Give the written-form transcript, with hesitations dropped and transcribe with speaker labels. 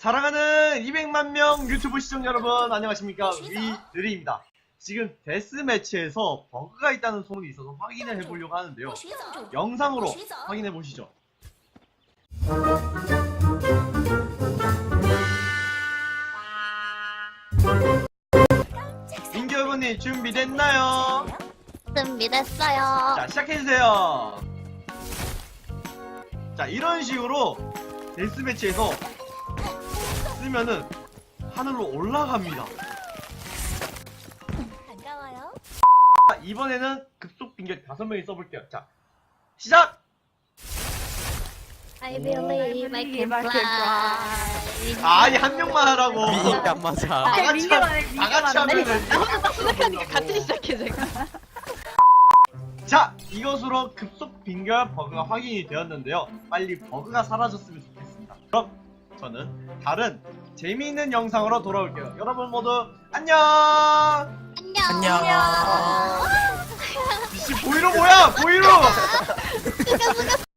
Speaker 1: 사랑하는 200만 명 유튜브 시청자 여러분 안녕하십니까, 위느리입니다. 지금 데스매치에서 버그가 있다는 소문이 있어서 확인을 해보려고 하는데요. 영상으로 확인해 보시죠. 민규 여러분님 준비됐나요?
Speaker 2: 준비됐어요.
Speaker 1: 자, 시작해주세요. 자, 이런 식으로 데스매치에서 쓰면은 하늘로 올라갑니다.
Speaker 2: 반가워요.
Speaker 1: 자, 이번에는 급속 빙결 5명이 써볼게요. 자, 시작!
Speaker 2: I believe I can fly.
Speaker 1: 아니, 한 명만 하라고.
Speaker 3: 미니가 안 맞아.
Speaker 1: 다 같이, 다 같이 하면은.
Speaker 2: 시작하니까 같이 시작해 제가.
Speaker 1: 자, 이것으로 급속 빙결 버그가 확인이 되었는데요. 빨리 버그가 사라졌으면 좋겠습니다. 그럼 저는 다른 재미있는 영상으로 돌아올게요. 여러분 모두 안녕!
Speaker 3: 안녕.
Speaker 1: 이씨, 보이로 뭐야? 보이로!
Speaker 2: 수가